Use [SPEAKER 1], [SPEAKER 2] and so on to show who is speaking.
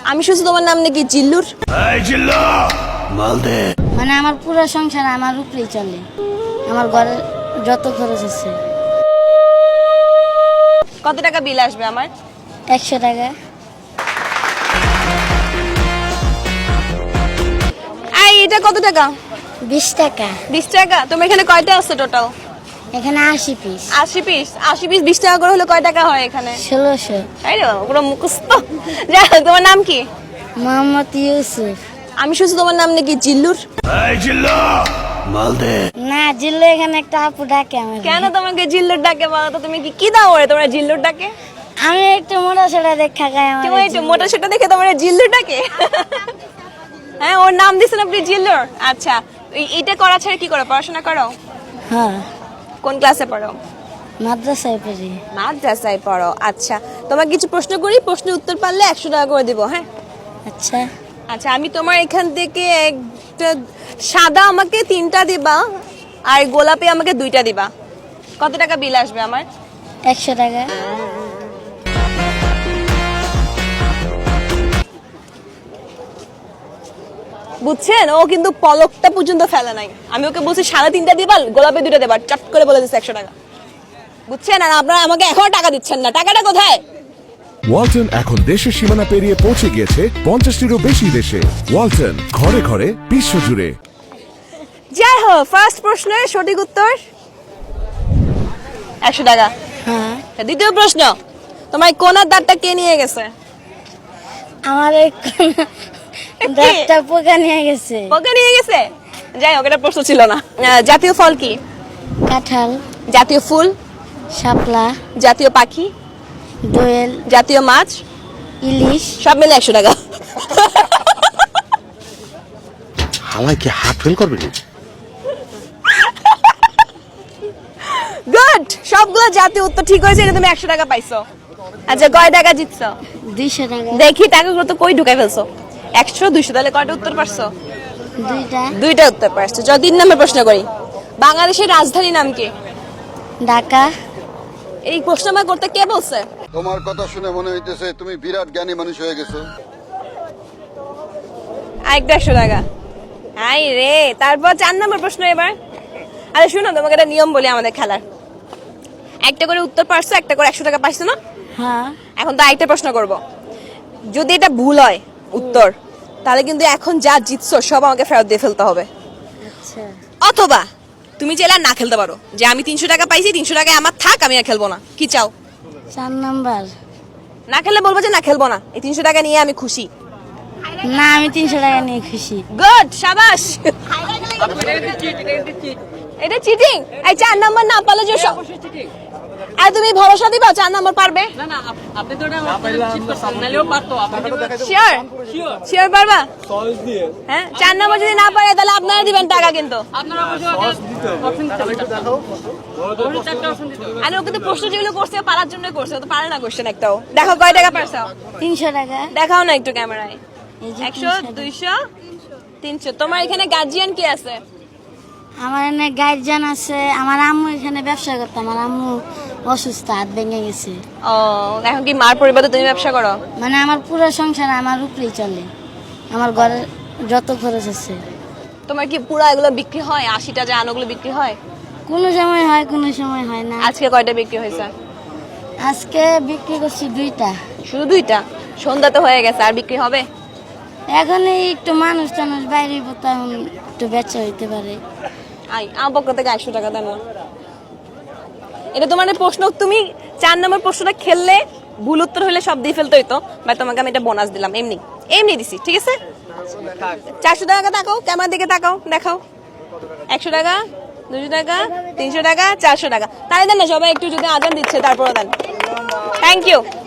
[SPEAKER 1] আমি শুনছি তোমার নাম নাকি জিল্লুর।
[SPEAKER 2] মানে আমার পুরো সংসার আমার উপরেই চলে, আমার ঘরের যত খরচ আছে।
[SPEAKER 1] কত টাকা বিল আসবে আমার?
[SPEAKER 2] 100 টাকা।
[SPEAKER 1] এটা কত টাকা?
[SPEAKER 2] 20 টাকা।
[SPEAKER 1] 20 টাকা। তোমার এখানে কয়টা আছে টোটাল?
[SPEAKER 2] এখানে 80 পিস।
[SPEAKER 1] 80 পিস। 80 পিস 20 টাকা করে হলে কয় টাকা হয় এখানে?
[SPEAKER 2] 1600।
[SPEAKER 1] তাই রে, পুরো মুখস্থ। যাই হোক, তোমার নাম কি?
[SPEAKER 2] মোহাম্মদ ইউসুফ।
[SPEAKER 1] আমি শুনছি তোমার নাম নাকি জিল্লুর।
[SPEAKER 2] না, জিল্লু এখানে একটা আপু ডাকে আমাকে।
[SPEAKER 1] কেন তোমাকে জিল্লুর ডাকে বলো তো? তুমি কি দাও ওরে তোমরা জিল্লুর ডাকে?
[SPEAKER 2] আমি একটু মোটা সোটা দেখা খাই আমার।
[SPEAKER 1] তুমি একটু মোটা সেটা দেখে তোমার জিল্লুর ডাকে? হ্যাঁ, ওর নাম দিছেন আপনি জিল্লুর। আচ্ছা, এইটা করা ছাড়া কি করো? পড়াশোনা করো?
[SPEAKER 2] হ্যাঁ,
[SPEAKER 1] কোন ক্লাসে পড়ো?
[SPEAKER 2] মাদ্রাসায় পড়ি।
[SPEAKER 1] মাদ্রাসায় পড়ো। আচ্ছা, তোমাকে কিছু প্রশ্ন করি, প্রশ্নের উত্তর পারলে 100 টাকা করে দিব। হ্যাঁ
[SPEAKER 2] আচ্ছা।
[SPEAKER 1] আচ্ছা, আমি তোমার এখান থেকে একটা সাদা আমাকে 3টা দিবা, আর গোলাপি আমাকে 2টা দিবা। কত টাকা বিল আসবে আমার?
[SPEAKER 2] 100 টাকা।
[SPEAKER 1] বুঝছেন, ও কিন্তু পলকটা পর্যন্ত ফেলে নাই। আমি ওকে বলছি সাদা 3টা দিবা, গোলাপি 2টা দিবা, চট করে বলে দিচ্ছে 100 টাকা। বুঝছেন? আর আপনারা আমাকে এখনো টাকা দিচ্ছেন না। টাকাটা কোথায়?
[SPEAKER 3] ওয়ালটন এখন দেশের সীমানা পেরিয়ে পৌঁছে গিয়েছে 50টিরও বেশি দেশে। ওয়ালটন, ঘরে ঘরে বিশ্বজুড়ে।
[SPEAKER 1] যাই হোক, ফার্স্ট প্রশ্নের সঠিক উত্তর 100 টাকা।
[SPEAKER 2] হ্যাঁ।
[SPEAKER 1] দ্বিতীয় প্রশ্ন, তোমার কোনার দাঁতটা কে নিয়ে গেছে?
[SPEAKER 2] আমার এই দাঁতটা পোকা নিয়ে গেছে।
[SPEAKER 1] পোকা নিয়ে গেছে? যাই হোক, এটা প্রশ্ন ছিল না। জাতীয় ফল কি?
[SPEAKER 2] কাঁঠাল।
[SPEAKER 1] জাতীয় ফুল?
[SPEAKER 2] শাপলা।
[SPEAKER 1] জাতীয় পাখি?
[SPEAKER 2] দোয়েল।
[SPEAKER 1] জাতীয় মাছ?
[SPEAKER 2] ইলিশ।
[SPEAKER 1] সব মিলে 100 টাকা।
[SPEAKER 4] হালাই কি হাত ফেল করবে?
[SPEAKER 1] গুড, সবগুলো জাতীয় উত্তর ঠিক হয়েছে। এটা তুমি 100 টাকা পাইছো। আচ্ছা, কয় টাকা জিতছো?
[SPEAKER 2] 200 টাকা।
[SPEAKER 1] দেখি টাকাগুলো তো কই ঢুকাই ফেলছো। 100 200, তাহলে কয়টা উত্তর পারছো?
[SPEAKER 2] 2টা।
[SPEAKER 1] 2টা উত্তর পারছো। যদি 3 নম্বর প্রশ্ন করি, বাংলাদেশের রাজধানী নাম কি?
[SPEAKER 2] ঢাকা।
[SPEAKER 1] এই প্রশ্ন আমার করতে কে বলছে?
[SPEAKER 5] তোমার কথা শুনে মনে হইতেছে তুমি বিরাট জ্ঞানী মানুষ হয়ে গেছো।
[SPEAKER 1] আরেকটা 100 টাকা। আই রে, তারপর 4 নম্বর প্রশ্ন এবার। আরে শুনো, তোমাকে একটা নিয়ম বলি আমাদের খেলার। একটা করে উত্তর পারছো, একটা করে 100 টাকা পাইছো না?
[SPEAKER 2] হ্যাঁ।
[SPEAKER 1] এখন তো আরেকটা প্রশ্ন করব। যদি এটা ভুল হয় উত্তর, তাহলে কিন্তু এখন যা জিতছো সব আমাকে ফেরত দিয়ে ফেলতে হবে।
[SPEAKER 2] আচ্ছা।
[SPEAKER 1] অথবা তুমি চাইলে আর না খেলতে পারো, যে আমি 300 টাকা পাইছি, 300 টাকায় আমার থাক, আমি আর খেলবো না। কি চাও?
[SPEAKER 2] 4 নাম্বার।
[SPEAKER 1] না খেললে বলবো যে না খেলবো না, এই 300 টাকা নিয়ে আমি খুশি।
[SPEAKER 2] না, আমি 300 টাকা নিয়ে খুশি।
[SPEAKER 1] গুড, শাবাশ। এটা চিটিং? এই 4 নাম্বার না পারলে যে সব। আর তুমি ভরসা দিবা 4 নাম্বার পারবে?
[SPEAKER 6] না না, আপনি তো এটা চিট করছেন, নাইলেও পারতো। আপনি
[SPEAKER 1] শিওর? শিওর পারবা? হ্যাঁ, 4 নাম্বার যদি না পারে তাহলে আপনারা দিবেন টাকা কিন্তু।
[SPEAKER 6] আপনারা অবশ্যই অপশন দেখাও। অবশ্যই 4টা অপশন দিতে হবে।
[SPEAKER 1] আর ওকে তো প্রশ্ন যেগুলো করছে পারার জন্য করছে, ও তো পারে না কোশ্চেন একটাও। দেখো কয় টাকা পারছো?
[SPEAKER 2] 300 টাকা।
[SPEAKER 1] দেখাও না একটু ক্যামেরায়।
[SPEAKER 2] এই যে
[SPEAKER 1] 100 200 300। তোমার এখানে গার্জিয়ান কি আছে?
[SPEAKER 2] আমার এখানে গার্জিয়ান আছে। আমার আম্মু এখানে ব্যবসা করতো। আমার আম্মু অসুস্থ, হাত ভেঙে গেছে।
[SPEAKER 1] ও, এখন কি মার পরিবারে তুমি ব্যবসা করো?
[SPEAKER 2] মানে আমার পুরো সংসার আমার উপরেই চলে, আমার ঘরের যত খরচ আছে।
[SPEAKER 1] তোমার কি পুরো এগুলো বিক্রি হয়? 80টা যে আনোগুলো বিক্রি হয়?
[SPEAKER 2] কোনো সময় হয়, কোনো সময় হয় না।
[SPEAKER 1] আজকে কয়টা বিক্রি হয়েছে?
[SPEAKER 2] আজকে বিক্রি করছি 2টা।
[SPEAKER 1] শুধু 2টা? সন্ধ্যা তো হয়ে গেছে, আর বিক্রি হবে?
[SPEAKER 2] এখন এই একটু মানুষ টানুষ বাইরে একটু বেচা হইতে পারে।
[SPEAKER 1] আমার পক্ষ থেকে 100 টাকা দেন না। এটা তোমার প্রশ্ন, তুমি 4 নম্বর প্রশ্নটা খেললে ভুল উত্তর হলে সব দিয়ে ফেলতে হইতো, বা তোমাকে আমি এটা বোনাস দিলাম। এমনি এমনি দিছি, ঠিক আছে? 400 টাকা তাকাও, ক্যামেরার দিকে তাকাও, দেখাও। 100 টাকা, 200 টাকা, 300 টাকা, 400 টাকা। তাই দেন না সবাই একটু, যদি আজান দিচ্ছে তারপরে দেন। Thank you.